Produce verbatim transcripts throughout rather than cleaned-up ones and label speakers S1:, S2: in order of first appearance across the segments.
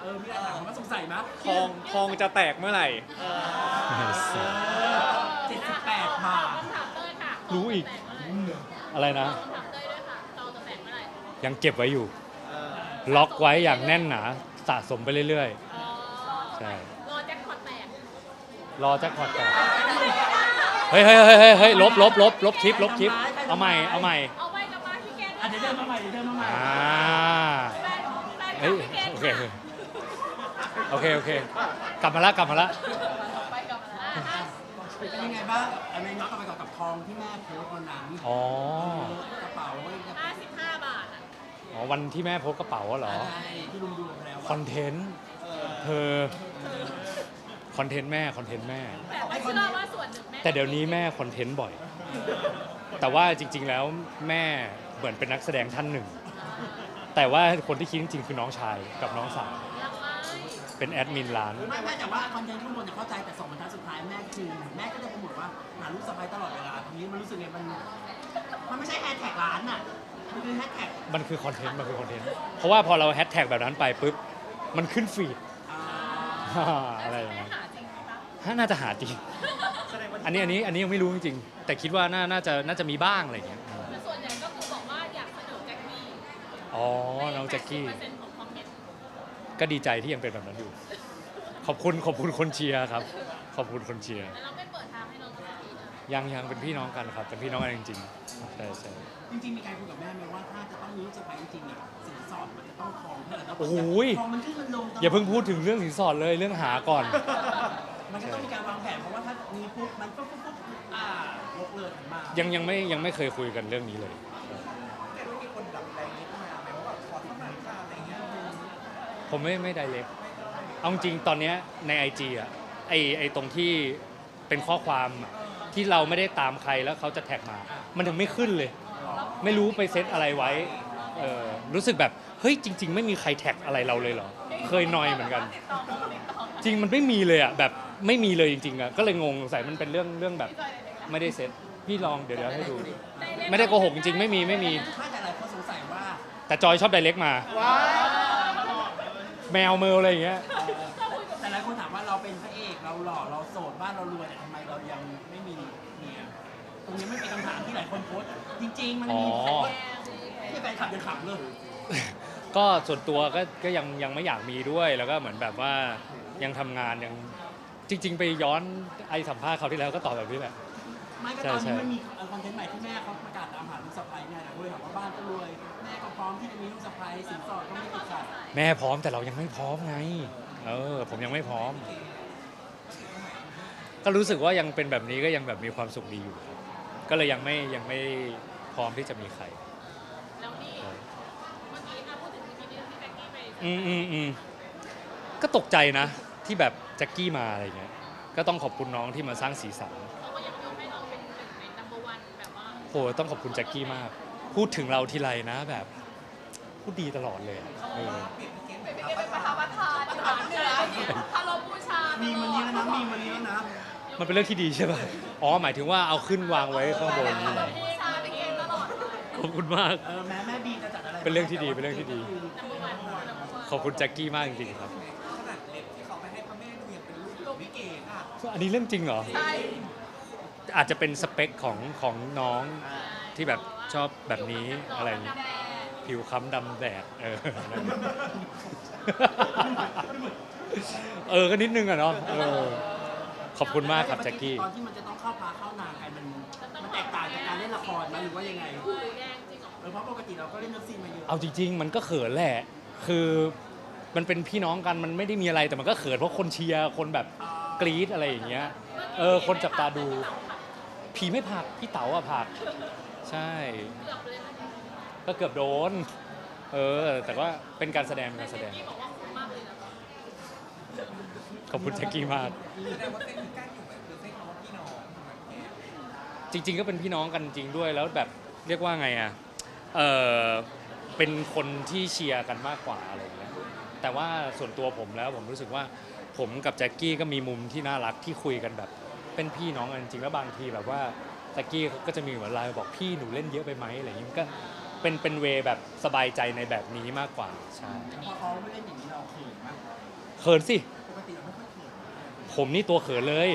S1: อมีอะไรถามว่าสงสัยมั้ย
S2: ทองทองจะแตกเมื่อไหร่
S1: เจ็ดสิบแปดบาท
S2: รู้อีกอะไรนะยังเก็บไว้อยู่ล็อกไว้อย่างแน่นหนาสะสมไปเรื่อยๆใช่
S3: รอแจ็คพอตแตก
S2: รอแจ็คพอตแตกเฮ้ยเฮ้ยเฮ้ยเฮ้ยลบลบลบลบคลิปลบคลิปเอาใหม่เอาใหม่
S3: เอาไว้กับมาพี่แก
S1: อ่ะเดี๋ยวเดินมาใหม่เดี๋ยวเดินมาใหม่
S2: อ่าเฮ้ยโอเคโอเคโอเคกลับมาละกลับมาละ
S3: ไปกับมา
S1: เป็นยังไงบ้างอะไรย้อนกลับไปกับทองที่แม่โพสต์วันนั้น
S2: อ๋
S1: อกระเป๋า
S3: ห้าสิบห้าบาทอ่ะ
S2: อ๋อวันที่แม่โพสกระเป๋าเหรอ
S1: ใช่ที่ลุงดูแล้ว
S2: คอนเทนต์เธอคอนเทนต์แม่คอนเทนต์แม่
S3: แต่เชื่อว่าส่วนหนึ่งแม่
S2: แต่เดี๋ยวนี้แม่คอนเทนต์บ่อยแต่ว่าจริงๆแล้วแม่เหมือนเป็นนักแสดงท่านหนึ่งแต่ว่าคนที่คิดจริงๆคือน้องชายกับน้องสาวเป็นแอดมินร้าน
S1: ไม่ไม่แต่ว่าคอนเทนต์ข้างบนเนี่ยเข้าใจแต่สองบรรทัดสุดท้ายแม่คือแม่ก็จะโปรโมทว่าหาลูกสะใภ้ตลอดเวลาทีนี้มันรู้สึกไงมันมันไม่ใช่แฮชแท็กร้านอ่ะมันคือแฮชแท็ก
S2: มันคือคอนเทนต์มันคือคอนเทนต์เพราะว่าพอเราแฮชแท็กแบบนั้นไปปุ๊บมันขึ้นฟีดอะไรอย่างเงี้ยน่าจะหาจริงอันนี้อันนี้อันนี้ยังไม่รู้จริงๆแต่คิดว่าน่าน่าจะน่าจะมีบ้างอะไรอย่างเงี้ย
S3: ส่วนใหญ่ก็คือบอกว่าอยากเสนอแจ็คกี้
S2: อ๋อน้องแจ็คกี้ก็ดีใจที่ยังเป็นแบบนั้นอยู่ขอบคุณขอบคุณคนเชียร์ครับขอบคุณคนเชียร์
S3: เราไม่เปิดทางให้น้องแจ็คกี้
S2: ยังยังเป็นพี่น้องกันครับเป็นพี่น้องกันจริงๆใช่ใช่
S1: จริงๆมีการคุยกับแม่ไหมว่าถ้าจะต้องมีลูกสะใภ้จริงๆอ่ะสินสอดมันจะต้องทองเท่าไหร่
S2: โอ้โห
S1: ทองมันขึ้นมันลง
S2: อย่าเพิ่งพูดถึงเรื่องสินสอดเลยเรื่องหาก่อน
S1: มันก็ต้องมีการวางแผนเพราะว่าถ้ามีปุ๊บมันปุ๊บปุ๊บปุ๊บอ่ายกเลิกมา
S2: ยังยังไม่ยังไม่เคยคุยกันเรื่องนี้เลยผมไม่ไม่ไดเรกเอาจริงตอนนี้ใน ไอ จี อ่ะไอไอตรงที่เป็นข้อความที่เราไม่ได้ตามใครแล้วเขาจะแท็กมามันถึงไม่ขึ้นเลยไม่รู้ไปเซตอะไรไว้เออรู้สึกแบบเฮ้ยจริงๆไม่มีใครแท็กอะไรเราเลยเหรอเคยนอยเหมือนกันจริงมันไม่มีเลยอ่ะแบบไม่มีเลยจริงๆอ่ะก็เลยงงสงสัยมันเป็นเรื่องเรื่องแบบไม่ได้เซตพี่ลองเดี๋ยวเดี๋ยวให้ดูไม่ได้โกหกจริงๆไม่มีไม่มี
S1: แต่หลายคนสงสัยว่า
S2: แต่จอยชอบไดเรกมาแมวเมลอะไรอย่างเงี้ย
S1: แต่หลายคนถามว่าเราเป็นพระเอกเราหล่อเราโสดบ้านเรารวยแต่ทำไมเรายังไม่มีเมียตรงนี้ไม่เป็นคำถามที่หลายคนโพสจริงๆมันมีที่แฟนคลับยังขำเลย
S2: ก็ส่วนตัวก็ก็ยังยังไม่อยากมีด้วยแล้วก็เหมือนแบบว่ายังทำงานยังจริงๆไปย้อนไอสัมภาษณ์เขาที่แล้วก็ตอบแบบนี้แหละ
S1: ไม่ก็ตอนนี้มันมีคอนเทนต์ใหม่ที่แม่เขาประกาศตามหาลูกสะใภ้ไงแต่ด้วยถามว่าบ้านก็รวยแม่ก็พร้อมที่จะมีลูกสะใภ้สินสอดก็ไม่ติดขัด
S2: แม่พร้อมแต่เรายังไม่พร้อมไงเออผมยังไม่พร้อมก็รู้สึกว่ายังเป็นแบบนี้ก็ยังแบบมีความสุขดีอยู่ก็เลยยังไม่ยังไม่พร้อมที่จะมีใคร
S3: แล้วนี่เมื่อกี้นะพูดถึงที่นี่ที่แจ็คกี้ไป
S2: อืมอืมอืมก็ตกใจนะที่แบบแจ็คกี้มาอะไรเงี้ยก็ต้องขอบคุณน้องที่มาสร้างสีสัน
S3: เขาก็ยังยกให้เราเป็นหนึ่งใน นัมเบอร์ วันแบบว่า
S2: โหต้องขอบคุณแจ็คกี้มากพูดถึงเราทีไรนะแบบพูดดีตลอดเลยเออ
S3: เป็นประธานประธานประธานเหนือคารมบูชา
S1: มีมันนี้แล้วนะมีมันนี้แล้วนะ
S2: มันเป็นเรื่องที่ดีใช่ป่ะอ๋อหมายถึงว่าเอาขึ้นวางไว้ข้างบนนี่แหละขอบคุณมาก
S1: เออแม่แม่บีจะจัดอะไร
S2: เป็นเรื่องที่ดีเป็นเรื่องที่ดีขอบคุณแจ็คกี้มากจริงๆครับ
S1: ขนาดเล็บที่เขาไปให้พ่อแม่ดูยังเป็นรูปวิเกตอ่ะ
S2: อันนี้เรื่องจริงเหรอใช่อาจจะเป็นสเปคของของน้องที่แบบชอบแบบนี้อะไรผิวค้ำดำแดดเออเออก็นิดนึงอะเนาะเออขอบคุณมากครับแจ็คกี้
S1: ตอนที่มันจะต้องเข้าพาเข้านางกันมันมันแตกต่างจากการเล่นละครไหมหรือว่ายังไงเออเพราะปกติเราก็เล่นเรื่องซีนมาเยอะ
S2: เอาจริงๆมันก็เขินแหละคือมันเป็นพี่น้องกันมันไม่ได้มีอะไรแต่มันก็เขินเพราะคนเชียร์คนแบบกรี๊ดอะไรอย่างเงี้ยเออคนจับตาดูผีไม่ผักพี่เต๋าอะผักใช่ก็เกือบโดนเออแต่ว่าเป็นการแสดงเป็นการแสดงขอบคุณแจ็คกี้มากจริงๆก็เป็นพี่น้องกันจริงด้วยแล้วแบบเรียกว่าไงอ่ะเออเป็นคนที่เชียร์กันมากกว่าอะไรอย่างเงี้ยแต่ว่าส่วนตัวผมแล้วผมรู้สึกว่าผมกับแจ็คกี้ก็มีมุมที่น่ารักที่คุยกันแบบเป็นพี่น้องกันจริงๆแล้วบางทีแบบว่าแจ็คกี้ก็จะมีเหมือนไลน์บอกพี่หนูเล่นเยอะไปไหมอะไรอย่างเงี้ยก็เป็นเป็นเวแบบสบายใจในแบบนี้มากกว่าใช่
S1: พอเขาไม่เล่นอย่างนี้เราเขินมาก
S2: เขินสิ
S1: ปกติเราไม่ค่อยเขิน
S2: ผมนี่ตัวเขินเลย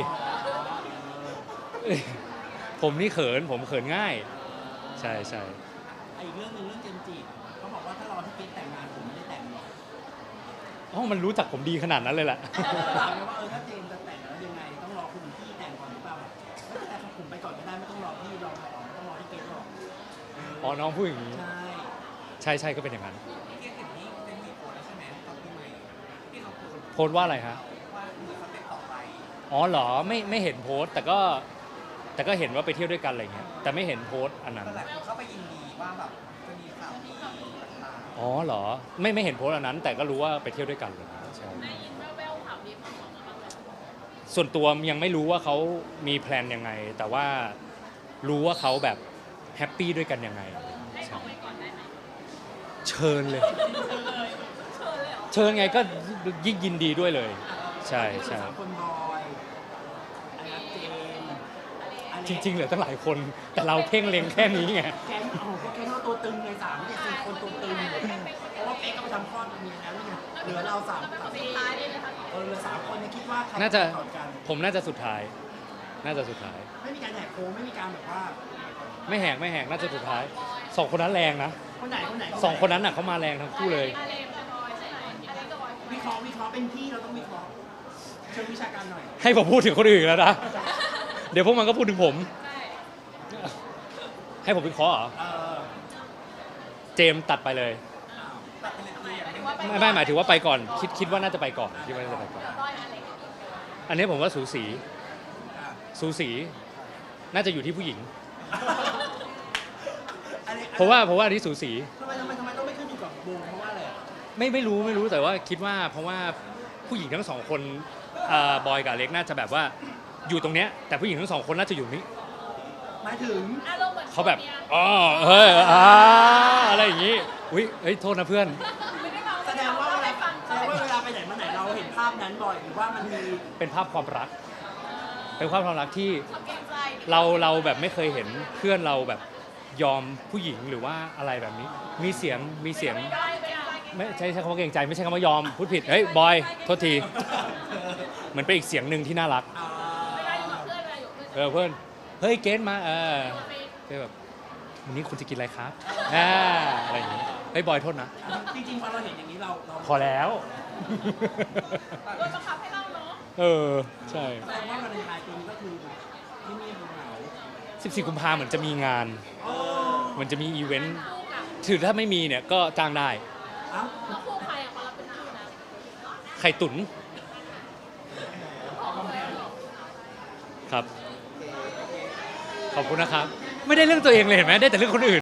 S2: ผมนี่เขิน ผมเขินง่าย ใช่ใช่
S1: ไอ้อีกเรื่องหนึงเรื่องเจมส์จิเขาบอกว่าถ้ารอที่เกสแต่งงานผมไม่ได้แต่งหรอก
S2: อ๋อมันรู้จักผมดีขนาดนั้นเลยแหละ
S1: ถามเลยว่าเออถ้าเจมส์จะแต่งแล้วยังไงต้องรอคุณพี่แต่งก่อนหรือเปล่าแต่ผมไปก่อนก็ได้ไม่ต้องรอพี่รอก่อนไม่ต้องรอที่เกสหรอก
S2: อ๋อน้องพูดอย่างนี้
S1: ใช่
S2: ใช่ใช่ก็เป็นอย่างนั้น
S1: พี่เกสเห็นนี้เป็นมีโพสแล้วใช่ไหมตอนปีใหม่ที่เขาโพส
S2: โพสต์ว่าอะไรฮะ
S1: ว่าเหมือนสเต็ปต่อไป
S2: อ๋อเหรอไม่ไม่เห็นโพสต์แต่ก็แต่ก็เห็นว่าไปเที่ยวด้วยกันอะไรเงี้ยแต่ไม่เห็นโพสต์อันนั้น
S1: ก็หลายคนเข้าไปยินดีว่าแบบจะมีข่าวดีต่าง
S2: อ๋อเหรอไม่ไม่เห็นโพสต์อันนั้น แต่ก็รู้ว่าไปเที่ยวด้วยกันเลยใช่
S3: ได้ยินแว่วๆข่าวดีของของมาบ้างไหม
S2: ส่วนตัวยังไม่รู้ว่าเขามีแพลนยังไง แต่ว่ารู้ว่าเขาแบบแฮปปี้ด้วยกันยังไง
S3: ให้ของไว้ก่อนได้ไหม
S2: เชิญเลย
S3: เชิญเลยเชิญเลยเหรอ
S2: เชิญไงก็ยิ่งยินดีด้วยเลย
S1: ๆ
S2: ใช่ใช่
S1: สามคนบอยอันนั้นเจมส์อัน
S2: จ
S1: นี้
S2: ริงๆเหลือตั้งหลายคน แต่เราเพ่งเล็งแค่นี้ไง
S1: แก๊งโอ้โหก็แก๊งเราตัวตึงไงสามเจ็ดสี่คนตัวตึงเพราะว่าเป๊กก็ไปทำคลอดมีแล้วนี่ไงเหลือเราสาม
S3: แล้วเป็นคนสุดท้ายเลยนะคะ
S1: เออเหลือสามคนเนี่ยคิดว่าใคร
S2: น่าจะ
S1: ก่อนกัน
S2: ผมน่าจะสุดท้าย น่าจะสุดท้าย
S1: ไม่มีการแหกโค้งไม่มีการแบบว่า
S2: ไม่แหกไม่แหกน่าจะสุดท้ายสองคนนั้นแรงนะ
S1: คนไหนคนไหน
S2: สองคนนั้นน่ะเขามาแรงทั้งคู่เลย
S3: อาเลมกับบอยใช่ไหมอาเลมกับบอย
S1: วิเคราะห์วิเคราะห์เป็นพี่เราต้องวิเคราะห์เชิงวิชาการหน่อย
S2: ให้ผมพูดถึงคนอื่นแล้วนะ เดี๋ยวพวกมันก็พูดถึงผม
S3: ใช่
S2: ให้ผมเป็นคอเหรอ
S1: เออ
S2: เจมส์ตัดไปเลย
S1: ตัดไปเลยคืออย่าง
S3: หมายถึงว่าไป
S2: ไม่ไม่หมายถึงว่าไปก่อน คิดคิดว่าน่าจะไปก่อนคิดว่าน่าจะไปก่อน
S3: บอยอาเลม
S2: อันนี้ผมว่าสูสี สูสี น่าจะอยู่ที่ผู้หญิง
S1: อันนี้
S2: เพราะว่าเพราะว่าอันนี้สูสี
S1: ทำไมทำไมทำไมต้องไม่ขึ้นอยู่กับวงเพราะว่าอะไรอะ
S2: ไม่ไม่รู้ไม่รู้แต่ว่าคิดว่าเพราะว่าผู้หญิงทั้งสองคนอ่าบอยกับเล็กน่าจะแบบว่าอยู่ตรงเนี้ยแต่ผู้หญิงทั้งสองคนน่าจะอยู่นี้
S1: หมายถึง
S3: อารมณ์เหมือน
S2: เขาแบบ
S3: นี่ย
S2: อ๋อเฮ้ยอ่าอะไรอย่างงี้อุ้ยเอ้ยโทษนะเพื่อน
S3: ไม่ได้ฟัง
S1: แสดงว่าเวลา
S3: ได้ฟัง
S1: แสดงว่าเวลาไปไหนมาไหนเราเห็นภาพนั้นบ่อยหรือว่ามันมี
S2: เป็นภาพความรัก เป็นภาพความรักที่
S3: ชอบเกรงใจ
S2: เราเราแบบไม่เคยเห็นเพื่อนเราแบบยอมผู้หญิงหรือว่าอะไรแบบนี้ มีเสียงมีเสียง
S3: ไม่ได้ไม่ได้
S2: ไม่ใช่ใช้คำว่าเกรงใจไม่ใช่คำว่ายอมพูดผิดเฮ้ยบอยโทษทีเหมือนเป็นอีกเสียงหนึ่งที่น่ารัก
S1: อ่า
S3: ไม่ได้อยู่กับเพื่อนเวลาอยู่กับเพื่อน
S2: เออเพื่อนเฮ้ยเกณฑ์มาเออ
S3: ตัวเอง
S2: ก็แบบวันนี้คุณจะกินอะไรครับอ่าอะไรอย่างงี้เฮ้ยบอยโทษนะ
S1: จริงๆพอเราเห็นอย่างนี้เราเรา
S2: พอแล้ว
S3: โดนบังคับให้เล่าเนาะ
S2: เออใช่
S1: แสดงว่าวันเลนไทน์ปีนี้ก็คือที่นี่เหงา
S2: สิบสี่กุมภาเหมือนจะมีงาน
S1: โอ้
S2: เหมันจะมีอีเวนต์
S3: คู่กับ
S2: ถือถ้าไม่มีเนี่ยก็จ้างได้
S1: เอ้า
S3: แล้วคู่ใครอ่ะคนละเป็นคู่นะ
S2: ไข่ตุ๋นครับ ขอบคุณนะครับ ไม่ได้เรื่องตัวเองเลยเห็นไหมได้แต่เรื่องคนอื่น